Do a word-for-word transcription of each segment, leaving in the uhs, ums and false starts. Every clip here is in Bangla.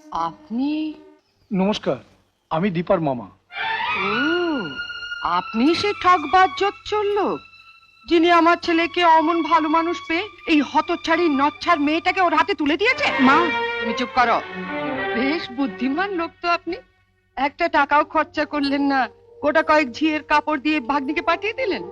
আপনি? নমস্কার, আমি দীপার মামা। ও, আপনি সে ঠকবাজ জোচ্চোর লোক যিনি আমার ছেলেকে অমন ভালো মানুষ পেয়ে এই হতচ্ছাড়ি নচ্ছার মেয়েটাকে ওর হাতে তুলে দিয়েছে। মা, তুমি চুপ করো। বেশ বুদ্ধিমান লোক তো আপনি। একটা টাকাও খরচা করলেন না, গোটা কয়েক ঝিয়ের কাপড় দিয়ে ভাগ্নিকে পাঠিয়ে দিলেন।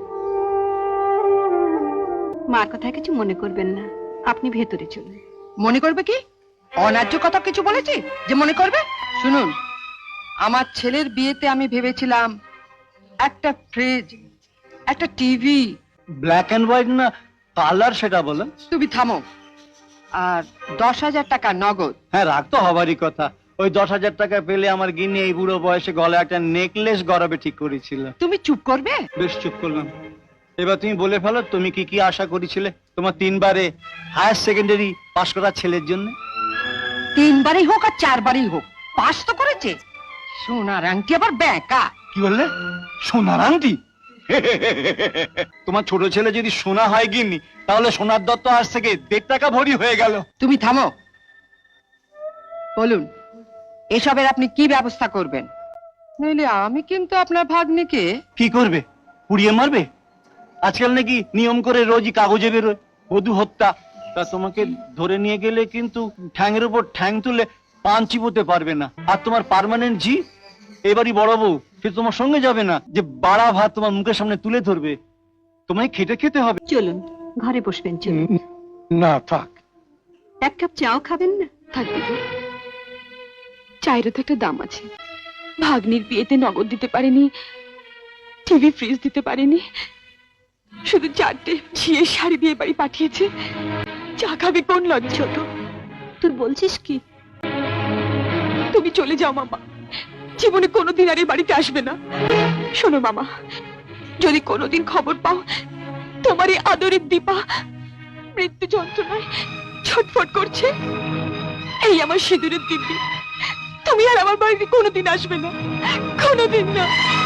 মার কথা কিছু মনে করবেন না, আপনি ভেতরে চলুন। মনে করবে কি? অন্যায্য কথা কিছু বলেছি যে মনে করবে? শুনুন, আমার ছেলের বিয়েতে আমি ভেবেছিলাম একটা ফ্রিজ, একটা টিভি। ব্ল্যাক এন্ড হোয়াইট না কালার সেটা বলেন। তুমি থামো। আর দশ হাজার টাকা নগদ। হ্যাঁ, রাগ তো হবারই কথা। ওই দশ হাজার টাকা পেলে আমার গিন্নি এই বুড়ো বয়সে গলায় একটা নেকলেস গড়াবে ঠিক করেছিল। তুমি চুপ করবে? বেশ, চুপ করলাম। এবার তুমি বলে ফেলো, তুমি কি কি আশা করেছিলে তোমার তিনবারে হায়ার সেকেন্ডারি পাশ করা ছেলের জন্য? তিনবারই হোক আর চারবারই হোক, পাস তো করেছে। সোনার আংটি আবার ব্যাঁকা। কি বললে? সোনার আংটি? তোমার ছোট ছেলে যদি সোনা হয় গিন্নি, তাহলে সোনার দত্ত আজ থেকে দেড় টাকা ভরি হয়ে গেল। তুমি থামো। বলুন, এসবের আপনি কি ব্যবস্থা করবেন? নইলে আমি কিন্তু আপনার ভাগ্নিকে। কি করবে? পুড়িয়ে মারবে? আজকাল নাকি নিয়ম করে রোজই কাগজে বেরোয় বধূ হত্যা। তা তোমাকে ধরে নিয়ে গেলে কিন্তু ঠ্যাংয়ের উপর ঠ্যাং তুলে পান চিবোতে পারবে না। আর তোমার পার্মানেন্ট জি এবারই বড় বউ, সে তোমার সঙ্গে যাবে না যে বাড়া ভাত তোমার মুখের সামনে তুলে ধরবে। তোমায় খেটে খেতে হবে। চলুন, ঘরে বসবেন। চলুন। না থাক, এক কাপ চাও খাবেন না? থাকবে তো, চায়েরও তো একটা দাম আছে। ভাগ্নির বিয়েতে নগদ দিতে পারেনি, টিভি ফ্রিজ দিতে পারেনি, শুধু চারটে ঝিয়ে শাড়ি দিয়ে বাড়ি পাঠিয়েছে। চা খাবে কোন লজ্জা? ছোট, তুই বলছিস কি? তুমি চলে যাও মামা, জীবনে কোনোদিন আর এই বাড়িতে আসবে না। শোনো মামা, যদি কোনোদিন খবর পাও তোমার এই আদরের দীপা মৃত্যু যন্ত্রণায় ছটফট করছে, এই আমার সিঁদুরের দিব্যি, তুমি আর আমার বাড়িতে কোনোদিন আসবে না, কোনোদিন না।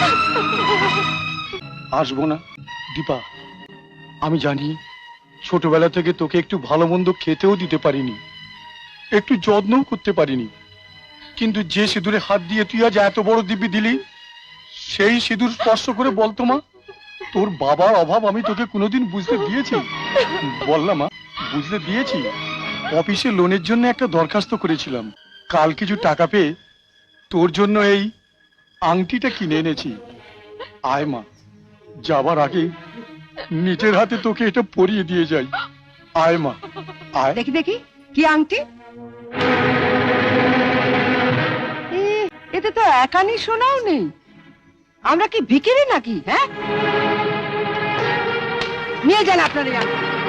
আসবো না দীপা। আমি জানি ছোটবেলা থেকে তোকে একটু ভালো মন্দ খেতেও দিতে পারিনি, একটু যত্নও করতে পারিনি, কিন্তু যে সিঁদুরে হাত দিয়ে তুই আজ এত বড় দিব্যি দিলি, সেই সিঁদুর স্পর্শ করে বলতো মা, তোর বাবার অভাব আমি তোকে কোনোদিন বুঝতে দিয়েছি? বল না মা, বুঝতে দিয়েছি? অফিসে লোনের জন্য একটা দরখাস্ত করেছিলাম, কাল কিছু টাকা পেয়ে তোর জন্য এই আংটিটা কিনে এনেছি। আয় মা, যাবার আগে নিজের হাতে তোকে এটা পরিয়ে দিয়ে যাই। আয় মা, আয়। দেখি দেখি কি আংটি? এ, এতে তো একানি সোনাও নেই। আমরা কি ভিখিরি নাকি? হ্যাঁ, নিয়ে যান আপনার এই আংটি।